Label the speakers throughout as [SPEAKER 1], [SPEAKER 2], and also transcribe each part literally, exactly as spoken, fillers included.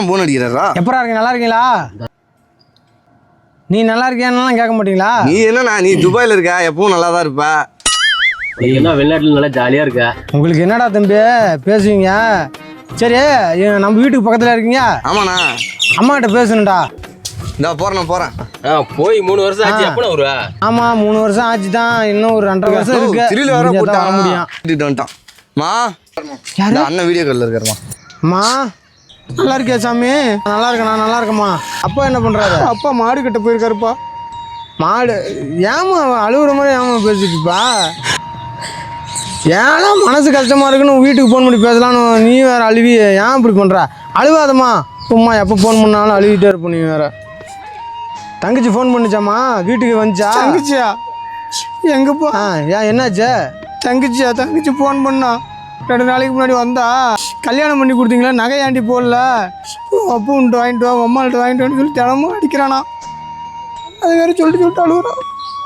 [SPEAKER 1] Phone அடிக்கிறாரா?
[SPEAKER 2] எப்பரா இருக்கு? நல்லா இருக்கீங்களா? நீ நல்லா இருக்கியான்னு கேட்க மாட்டீங்களா?
[SPEAKER 1] நீ என்னண்ணா, நீ துபாயில இருக்க, எப்பவும் நல்லா தான் இருப்ப.
[SPEAKER 3] என்ன வெளிநாட்டுல நல்லா ஜாலியா இருக்க.
[SPEAKER 2] உங்களுக்கு என்னடா தம்பி பேசுவீங்க? சரி, நம்ம வீட்டுக்கு பக்கத்துல இருக்கீங்க.
[SPEAKER 1] ஆமாண்ணா.
[SPEAKER 2] அம்மா கிட்ட பேசணும்டா.
[SPEAKER 1] இந்த போறேன் போறேன்.
[SPEAKER 3] போய் மூணு வருஷம் ஆச்சு. எப்ப வருவா?
[SPEAKER 2] ஆமா, மூணு வருஷம் ஆச்சு தான். இன்னும் ஒரு ரெண்டரை வருஷம் இருக்கு.
[SPEAKER 1] திருவிழா வர
[SPEAKER 2] முடியும்.
[SPEAKER 1] கூட்டிட்டு வந்துட்டான். மா, அண்ணன் வீடியோ கால்ல இருக்காருமா.
[SPEAKER 2] அம்மா நல்லா இருக்கியா சாமி? நல்லா இருக்கேண்ணா, நல்லா இருக்கேம்மா. அப்பா என்ன பண்றாரு?
[SPEAKER 4] அப்பா மாடு கிட்ட போயிருக்காருப்பா.
[SPEAKER 2] மாடு? ஏமா அழுகுற மாதிரி ஏமா பேசிட்டுப்பா? ஏன்னா மனசு கஷ்டமா இருக்குன்னு வீட்டுக்கு ஃபோன் பண்ணி பேசலான்னு நீ வேற அழுவி ஏன் இப்படி பண்ற? அழுவாதம்மா, சும்மா எப்போ ஃபோன் பண்ணாலும் அழுவிட்டே இருப்ப நீ வேற. தங்கச்சி ஃபோன் பண்ணிச்சாம்மா? வீட்டுக்கு வந்துச்சா?
[SPEAKER 4] தங்கச்சியா? எங்கப்பா?
[SPEAKER 2] ஆ, ஏன் என்னாச்சு?
[SPEAKER 4] தங்கச்சியா? தங்கச்சி ஃபோன் பண்ணா. ரெண்டு நாளைக்கு முன்னாடி வந்தா, கல்யாணம் பண்ணி கொடுத்தீங்களா, நகையாண்டி போடல, அப்போ உண்டு வாங்கிட்டு வா, அம்மாள்கிட்ட வாங்கிட்டு வான்னு சொல்லி தினமும் அடிக்கிறானா. அது வேற சொல்லிட்டு சொல்லிட்டு அழுகுறான்.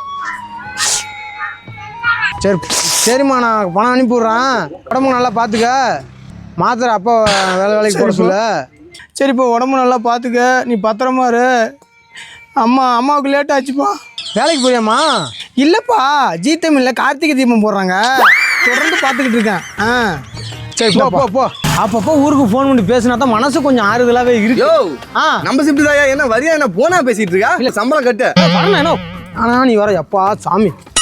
[SPEAKER 2] சரி சரிம்மா, நான் பணம் அனுப்பிவிட்றேன். உடம்பு நல்லா பார்த்துக்க. மாத்திரை அப்போ வேலை வேலைக்கு போட சொல்ல.
[SPEAKER 4] சரிப்பா, உடம்பு நல்லா பார்த்துக்க, நீ பத்திரமா இரு. அம்மா அம்மாவுக்கு லேட் ஆச்சுப்பா.
[SPEAKER 2] வேலைக்கு போறியாம்மா?
[SPEAKER 4] இல்லைப்பா, ஜீ தமிழில் கார்த்திகை தீபம் போடுறாங்க, தொடர்ந்து பார்த்துக்கிட்டு இருக்கேன். ஆ
[SPEAKER 2] சரி, போ போ போ. அப்பப்போ ஊருக்கு ஃபோன் பண்ணி பேசினா தான் மனசு கொஞ்சம் ஆறுதலாகவே இருக்கு.
[SPEAKER 1] யோ,
[SPEAKER 2] ஆ,
[SPEAKER 1] நம்ம ஷிஃப்ட் தாயா? என்ன வரியா? என்ன போனா பேசிட்டு இருக்கா? இல்ல சம்பளம் கட்டு.
[SPEAKER 2] வரணும் என்ன? ஆனால் நீ வர எப்பா சாமி.